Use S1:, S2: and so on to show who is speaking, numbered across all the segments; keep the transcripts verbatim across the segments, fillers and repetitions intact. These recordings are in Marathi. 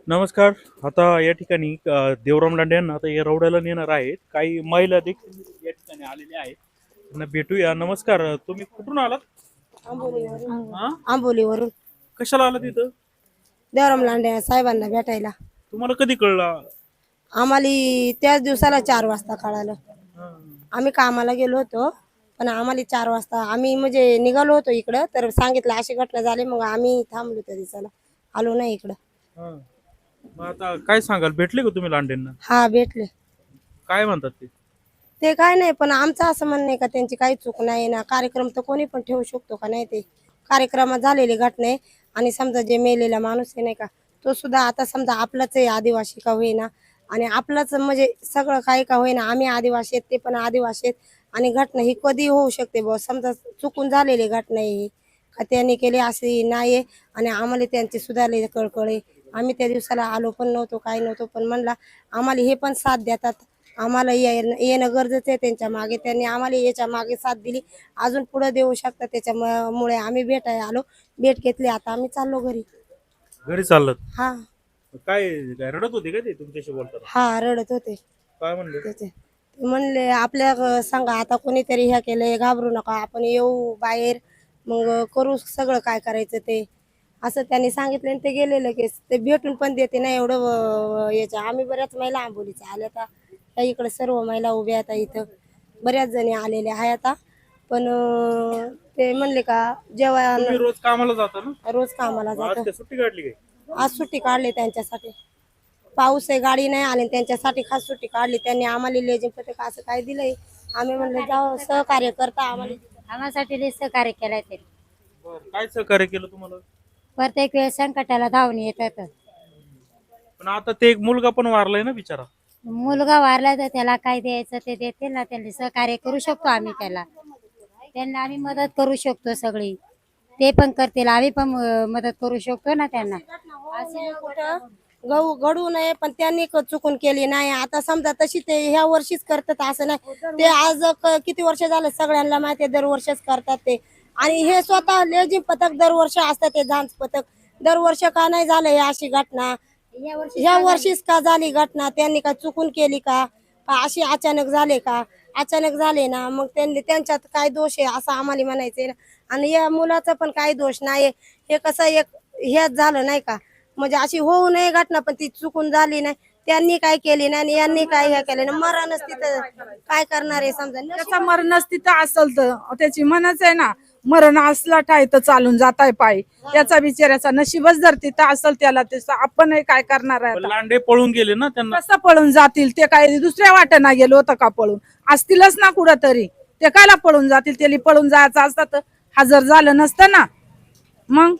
S1: नमस्कार. आता या ठिकाणी अ, देवराम लांडे यांना आता या रौड्याला नेणार आहेत. काही महिला देखील या ठिकाणी आलेल्या आहेत. त्यांना भेटूया. नमस्कार. तुम्ही कुठून आलात?
S2: आंबोलीवरून
S1: हा?
S2: आंबोलीवरून
S1: कशाला आलात इथं?
S2: देवराम लांडे साहेबांना भेटायला.
S1: तुम्हाला कधी कळलं?
S2: आम्हाला त्याच दिवसाला चार वाजता कळालं.
S1: हा.
S2: आम्ही कामाला गेलो होतो, पण आम्हाला चार वाजता आम्ही म्हणजे निघालो होतो इकडं, तर सांगितलं अशी घटना झाली. मग आम्ही थांबलो त्या दिवसाला, आलो नाही इकडं.
S1: हा. मग आता काय सांगाल? भेटले का तुम्ही लांडेंना?
S2: हा भेटले.
S1: काय म्हणतात ते?
S2: ते काय नाही, पण आमचं असं म्हणणं आहे का त्यांची काही चूक नाही ना. कार्यक्रम तर कोणी पण ठेवू शकतो का नाही? ते कार्यक्रमात झालेली घटना आहे. आणि समजा जे मेलेला माणूस आहे नाही का, तो सुद्धा आता समजा आपलाच आहे, आदिवासी का होईना, आणि आपलाच म्हणजे सगळं काही का होईना, आम्ही आदिवासी आहेत, ते पण आदिवासी आहेत. आणि घटना ही कधी होऊ शकते बुवा, समजा चुकून झालेली घटना आहे ही, का त्यांनी केली अशी नाही आहे. आणि आम्हाला त्यांची सुधारलेली कळकळ आहे. आम्ही त्या दिवसाला आलो पण नव्हतो, काही नव्हतो, पण म्हणला आम्हाला हे पण साथ देतात, आम्हाला येणं येणं गरजेचं आहे त्यांच्या मागे. त्यांनी आम्हाला याच्या मागे साथ दिली, अजून पुढे देऊ शकतात. त्याच्यामुळे आम्ही भेटायला आलो, भेट घेतली. आता आम्ही चाललो घरी.
S1: घरी चाललात?
S2: हा
S1: काय काय रडत होते का ते तुमच्याशी बोलताना?
S2: हा रडत होते
S1: काय म्हणले?
S2: त्याचे. ते म्हणले आपल्या ग- सांगा आता कोणीतरी ह्या केलंय, घाबरू नका, आपण येऊ बाहेर, मग करू सगळं काय करायचं ते, असं त्यांनी सांगितलं. आणि ते गेले लगेच. ते भेटून पण देते ना एवढं व- याच्या. आम्ही बऱ्याच महिला आंबोलीच्या आल्या आता, त्या इकडे सर्व महिला उभ्या आता इथं, बऱ्याच जणी आलेल्या आहे आता. पण अं, ते म्हणले का जेव्हा
S1: तुम्ही रोज कामाला जाता ना?
S2: रोज कामाला
S1: मग आज
S2: जातो.
S1: काय सुट्टी काढली काय?
S2: आज सुट्टी काढली त्यांच्यासाठी, पाऊस आहे, गाडी नाही आली, त्यांच्यासाठी खास सुट्टी काढली. त्यांनी आम्हाला लेझिम पथक असं काय दिलंय. आम्ही म्हणलं जाऊ, सहकार्य करता आम्हाला.
S3: आम्हासाठी लई सहकार्य केलंय ते.
S1: बरं. काय सहकार्य केलं तुम्हाला?
S3: प्रत्येक वेळेस संकटाला धावून येतात.
S1: पण आता ते एक मुलगा पण वारलाय ना बिचारा.
S3: मुलगा वारला तर त्याला काय द्यायचं ते देतील ना. त्यांनी सहकार्य करू शकतो आम्ही त्याला. त्यांना आम्ही मदत करू शकतो सगळी. ते पण करतील, आम्ही पण अं, मदत करू शकतो ना त्यांना.
S2: असे कुठं गहू घडू नये, पण त्यांनी क- चुकून केली नाही. आता समजा तशी ते ह्या वर्षीच करतात असं नाही. ते आज क- किती वर्ष झाले सगळ्यांना माहिती आहे, दरवर्षीच करतात ते. आणि हे स्वतः लेझिम पथक दरवर्षी असतात, ते झांज पथक दरवर्ष का नाही झालं हे अशी घटना? ह्या वर्षीच का झाली घटना? त्यांनी का चुकून केली का, का अशी अचानक झाले का? अचानक झाले ना, मग त्यांनी त्यांच्यात काय दोष आहे असं आम्हाला म्हणायचंय ना. आणि या मुलाचा पण काही दोष नाही. हे कसं एक हेच झालं नाही का, म्हणजे अशी होऊ नये घटना, पण ती चुकून झाली नाही. त्यांनी काय केली नाही आणि यांनी काय हे केलं नाही. मरणच तिथं काय करणार आहे समजा.
S4: त्याचा मरणच तिथं असल तर त्याची म्हणच आहे ना, मरण असला ठाय तर चालून जाताय पायी. त्याचा बिचाऱ्याचा नशीबच जर तिथं असल त्याला, तसं आपण काय करणार आहे
S1: पण
S4: आता?
S1: लांडे पळून गेले ना, त्यांना
S4: कसं पळून जातील? ते काय दुसऱ्या वाटेना गेलो होतं का पळून? असतीलच ना कुठं तरी. ते कायला पळून जातील? त्याला पळून जायचं असतं तर हजर झालं नसतं ना. मग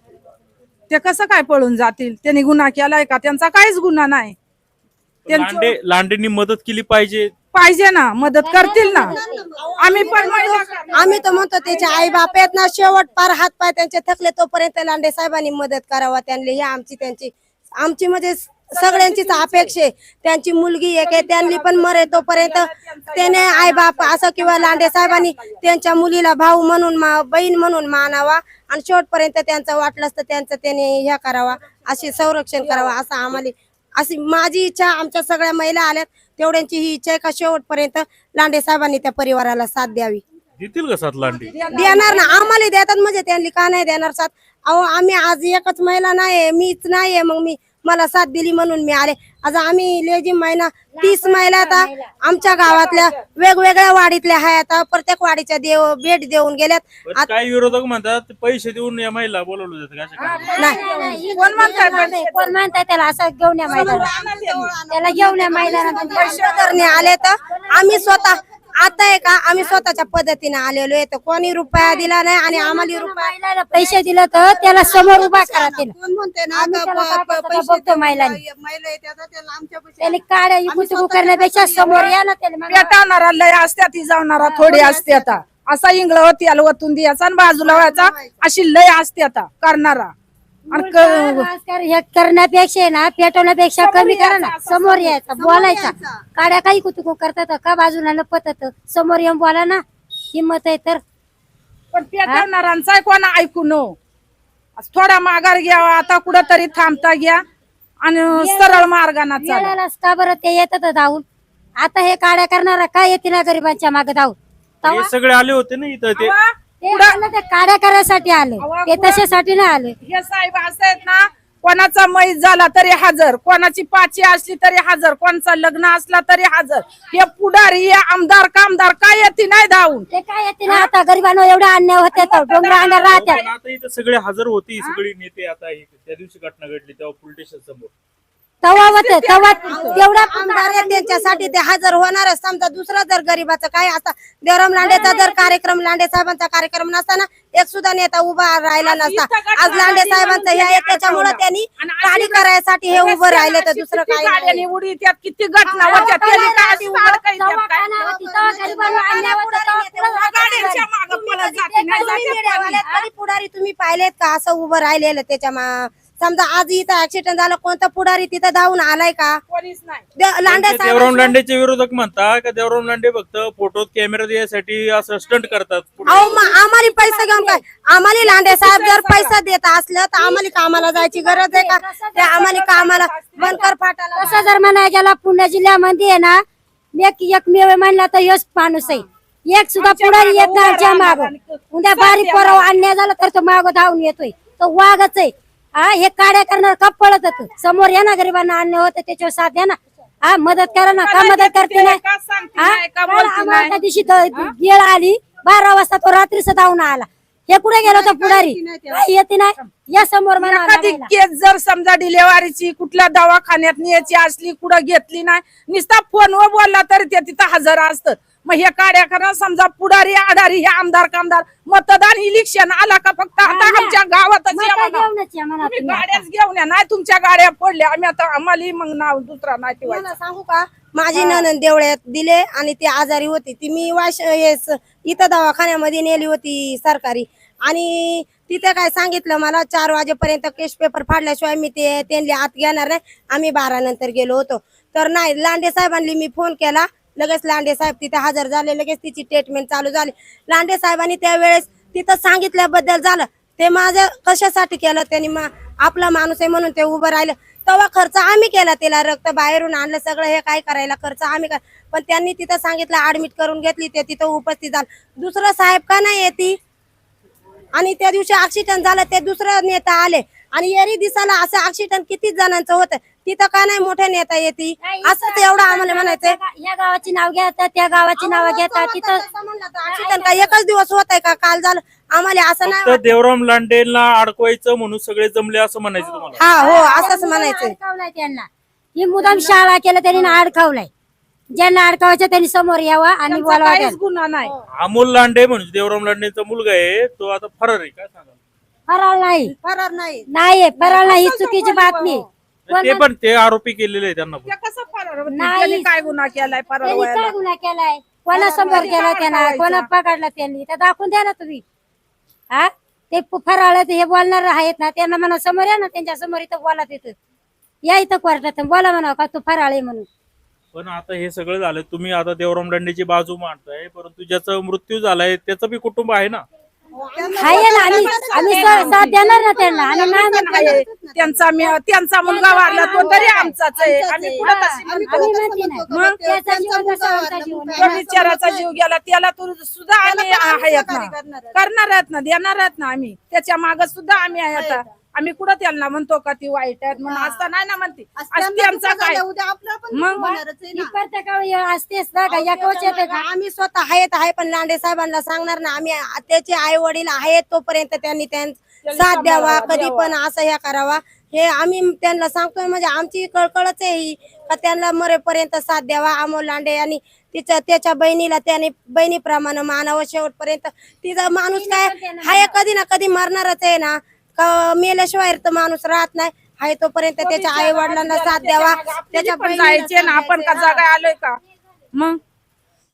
S4: ते कसं काय पळून जातील? त्यांनी गुन्हा केलाय का? त्यांचा काहीच गुन्हा नाही. त्यांचं-
S1: लांडे लांडेंनी मदत केली पाहिजे.
S4: पाहिजे ना, मदत करतील ना. आम्ही पण महिला
S2: आम्ही तर म्हणतो त्याचे आई बाप आहेत ना, शेवट पार हात पाय त्यांचे थकले तोपर्यंत लांडे साहेबांनी मदत करावा त्यांनी. ही आमची त्यांची आमची म्हणजे सगळ्यांचीच अपेक्षा आहे. त्यांची मुलगी एक आहे, त्यांनी पण मरे तोपर्यंत त्याने आई बाप असं किंवा लांडे साहेबांनी त्यांच्या मुलीला भाऊ म्हणून मा- बहीण म्हणून मानावा. आणि शेवटपर्यंत त्यांचं वाटलं तर त्यांचं त्याने ह्या करावा, अशी संरक्षण करावा, असं आम्हाला अशी माझी इच्छा. आमच्या सगळ्या महिला आल्यात, तेवढ्यांची ही इच्छा आहे का शेवटपर्यंत लांडे साहेबांनी त्या परिवाराला साथ द्यावी.
S1: देतील का साथ लांडे?
S2: देणार ना, आम्हाला देतात म्हणजे त्यांनी का नाही देणार साथ? अहो आम्ही आज एकच महिला नाही, मीच नाहीये, मग मी मला साथ दिली म्हणून मी आले. आज आम्ही लेझिम महिना तीस महिला आता आमच्या गावातल्या वेगवेगळ्या वाडीतल्या आहे. आता प्रत्येक वाडीच्या देव भेट देऊन गेल्यात.
S1: पण काही विरोधक म्हणतात पैसे देऊन या महिला बोलवलं जातं का? असं काय?
S2: नाही
S4: कोण म्हणताय?
S3: कोण म्हणताय त्याला असं घेऊन या मैदानात? त्याला घेऊन या मैदानात.
S2: पैसे करणे आले तर आम्ही स्वतः आता आहे का, आम्ही स्वतःच्या पद्धतीने आलेलो आहे. तर कोणी रुपया दिला नाही आणि आम्हाला रुपया
S3: महिलाला पैसे दिले तर त्याला समोर उभा करा. त्याला
S2: कोण म्हणते ना
S3: आम्ही
S2: का
S3: त्याला
S2: प- प-
S3: पाठवतो
S2: पैसे
S3: बघतो महिलांनी.
S2: महिला येतात त्याला आमच्या पैसे-
S3: त्याला काड्या इकुतुकू करण्यापेक्षा समोर या ना. त्याला मग
S4: पेटावणारा लय असत्या, ती जावणारा थोडी असते. आता असा इंगळ होती आला वतून द्यायचा आणि बाजूला व्हायचा, अशी लय असते आता करणारा. आणि क-
S3: राजकारण हे करण्यापेक्षा आहे ना, पेटवण्यापेक्षा कमी करा ना. समोर यायचं, बोलायचा. काड्या काही कुतुकू करतात का बाजूला लपतात? समोर येऊन बोला ना, हिंमत आहे तर.
S4: पण पेटवणारांचा कोणा ऐकू नो. थोडा माघार घ्यावा, आता कुठं तरी थांबता घ्या. आणि सरळ मार्गाने चाला.
S3: वेळेलाच का बरं ते येतात धावून. आता हे काड्या करणारा काय येते ना गरिबांच्या मागे धावून.
S1: हे सगळे आले होते ना इथं ते
S4: अवा,
S3: ते आलं ते काड्या करायसाठी आले,
S4: अवा,
S3: ते तशासाठी नाही आले.
S4: हे साहेब असं आहेत ना, कोणाचा मैत झाला तरी हजर, कोणाची पाची असली तरी हजर, कोणाचा लग्न असला तरी हजर. हे पुढारी हे आमदार कामदार काय येते नाही धावून.
S3: ते काय येते ना आता गरिबांना एवढा अन्याय होते तर डोंगरा अंगावर राहतात.
S1: पण आता इथं सगळे हजर होती सगळी नेते. आता हे- त्या दिवशी घटना घडली तेव्हा पोलीस स्टेशन समोर
S3: तवा होते तेव्हा तेवढा
S2: आमदार आहे त्यांच्यासाठी ते हजर होणारच. समजा दुसरा जर गरीबाचं काय असता, देवराम लांडेचा जर कार्यक्रम, लांडे साहेबांचा कार्यक्रम नसताना एक सुद्धा नेता उभा राहिला नसता. आज लांडे साहेबांचं हे आहे त्याच्यामुळे त्यांनी गाडी करायसाठी हे उभं राहिले, तर दुसरं काही नाही.
S4: गाड्याने उडी त्यात किती घटना होत्या, त्यांनी काय अशी अडकाई
S3: तवा
S4: त्यात काय?
S3: काय होती, तवा गरिबांना अन्याय होता, तवा पुढं
S4: गाड्यांच्या मागं पळत जाते, नाही
S2: तुम्ही
S4: जाते
S2: मीडियावाले तरी पुढारी तुम्ही पाहिलेत का असं उभं राहिलेलं त्याच्या मा- समजा आज इथं ऍक्सिडेंट झालं, कोणता पुढारी तिथं धावून आलाय का?
S4: कोणीच नाही.
S2: दे- लांडे
S1: ते देवराम लांडेचे विरोधक म्हणतात का देवराम लांडे फक्त फोटोत कॅमेरा द्यायसाठी असं स्टंट करतात.
S2: अहो मग आम्हाला पैसे घेऊन काय, आम्हाला लांडे साहेब जर पैसा देत असलं तर आम्हाला कामाला जायची गरज आहे का? ते आम्हाला कामाला बनकर फाटाला
S3: तसं जर म्हणाय गेला पुणे जिल्ह्यामध्ये आहे ना, एक एकमेव म्हणला तर यश माणूस आहे. एक सुद्धा पुढारी येत नाही आमच्या माग. उद्या बारीक पोरावर अन्याय झाला तर तो माग धावून येतोय, तो वाघच आहे. हा हे काड्या करणार का पळत होत समोर या ना, गरिबांना अन्याय होतं त्याच्यावर साथ द्या ना. हा मदत करा ना, का मदत करते नाही?
S4: का सांगते
S3: हा?
S4: नाही, का
S3: काल
S4: बोलते
S3: आम्हाला
S4: नाही?
S3: त्या दिवशी द- गेळ आली बारा वाजता, तो रात्रीच धावून आला. हे कुठे गेला तो पुढारी? काय येते नाही या समोर म्हणा
S4: कधी केस जर समजा डिलेव्हरीची कुठल्या दवाखान्यात न्यायची असली, कुठं घेतली नाही, नुसता फोनवर बोलला तरी ते तिथं हजर असतं. मग हे काड्या करा समजा पुढारी आडारी हे आमदार कामदार मतदान इलेक्शन आला का फक्त आता आमच्या गावातच या म्हणा. तुम्ही गाड्याच घेऊन या, नाही तुमच्या गाड्या पडल्या आम्ही आता आम्हाला मग नाव दुसरा नाही ठेवायचं.
S2: मला सांगू का, माझी ननंद देवळ्यात दिले आणि ती आजारी होती. ती मी वाश हे स- इथं दवाखान्यामध्ये नेली होती सरकारी, आणि तिथे काय सांगितलं मला, चार वाजेपर्यंत केस पेपर फाडल्याशिवाय मी ते त्यांनी आत घेणार नाही. आम्ही बारा नंतर गेलो होतो तर नाही, लांडे साहेबांनी मी फोन केला, लगेच लांडे साहेब तिथे हजर झाले, लगेच तिची ट्रीटमेंट चालू झाली. लांडे साहेबांनी त्यावेळेस तिथं सांगितल्याबद्दल झालं. ते माझं कशासाठी केलं त्यांनी, मा- आपला माणूस आहे म्हणून ते उभं राहिलं. तेव्हा खर्च आम्ही केला, तिला रक्त बाहेरून आणलं सगळं, हे काय करायला खर्च आम्ही कर, पण त्यांनी तिथं सांगितलं ऍडमिट करून घेतली, ते तिथं उपस्थित झालं. दुसरं साहेब का नाही येते? आणि त्या दिवशी ऍक्सिडेंट झालं, ते दुसरं नेता आले, आणि एरी दिसाला असं ऍक्सिडेंट किती जणांचं होतं, तिथं का नाही मोठे नेता येते? असंच एवढं आम्हाला म्हणायचंय.
S3: या गावाची नाव घेतात, त्या गावाची नाव घेतात. तिथं
S2: ऍक्सिडेंट का एकच दिवस होत आहे का? काल झालं आम्हाला असं नाही
S1: फक्त देवराम लांडेला अडकवायचं म्हणून सगळे जमले असं म्हणायचं तुम्हाला.
S2: हा हो असंच म्हणायचंय.
S3: अडकवलाय त्यांना. ही मुदाम शाळा केलं त्यांनी ना अडकवलाय. ज्यांना अडकवायचं त्यांनी समोर यावं आणि
S4: त्यांचा
S3: बोलावं.
S4: काहीच गुन्हा नाही.
S1: अमोल लांडे म्हणजे देवराम लांडेचा मुलगा आहे, तो आता फरार आहे. काय सांगा
S3: फराळ नाही,
S2: फरार नाही.
S3: नाही फराळ नाही, ही चुकीची बातमी.
S1: ते पण ते आरोपी केलेले आहे त्यांना पण.
S4: ते कसं फरार होतील?
S3: नाही.
S4: त्यांनी काय गुन्हा केलाय फरार
S3: त्यांनी
S4: व्हायला?
S3: काय गुन्हा केलाय? कोणा समोर केला त्यांना, कोणा पकडला त्यांनी, ते दाखवून द्या ना तुम्ही. हा ते फराळ हे बोलणार आहेत ना, त्यांना म्हणा समोर या ना, त्यांच्या समोर इथं बोला, तिथं या इथं कोर्टात बोला म्हणा का तू फराळ आहे म्हणून.
S1: पण आता हे सगळं झालं, तुम्ही आता देवराम लांडेची बाजू मांडताय, परंतु ज्याचा मृत्यू झालाय त्याचं बी कुटुंब आहे ना.
S3: आहे ना, आम्ही आम्ही सा- साथ देणार ना त्यांना. आम्ही नाही म्हणतो.
S4: आहे. त्यांचा मी- त्यांचा मुलगा वारला तो तरी आमचाच आहे. आम्ही पुढे तशी म्हणतो.
S3: आम्ही म्हणते नाही.
S2: मग
S3: त्याचा जीवन कसा आमचा जीवन आहे?
S4: तो बिचाराचा जीव गेला, त्याला तू सुद्धा आम्ही आहेत ना, करणार आहेत ना, देणार आहेत ना आम्ही. त्याच्या माग सुद्धा आम्ही आहे. आता आम्ही कुठं त्यांना म्हणतो का ती वाईट आहेत म्हणून, असता नाही ना म्हणते. आज त्यांचा काय मग
S3: ही प्रत्येकावर असतेच ना का, या कवच येते का?
S2: आम्ही स्वतः आहेत आहे, पण लांडे साहेबांना सांगणार ना आम्ही, त्याचे आई वडील आहेत तोपर्यंत त्यांनी त्यांना साथ द्यावा, कधी पण असं हे करावा, हे आम्ही त्यांना सांगतोय. म्हणजे आमची कळकळच आहे ही, का त्यांना मरेपर्यंत साथ द्यावा. अमोल लांडे आणि तिच्या त्याच्या बहिणीला त्याने बहिणीप्रमाणे मानावं शेवटपर्यंत. तिचा माणूस काय हाय, कधी ना कधी मरणारच आहे ना, का मेल्याशिवाय तर माणूस राहत नाही. हाय तोपर्यंत त्याच्या आई वडिलांना साथ द्यावा, त्याच्या
S4: पण जायचे ना, आपण का जागा आलोय का मग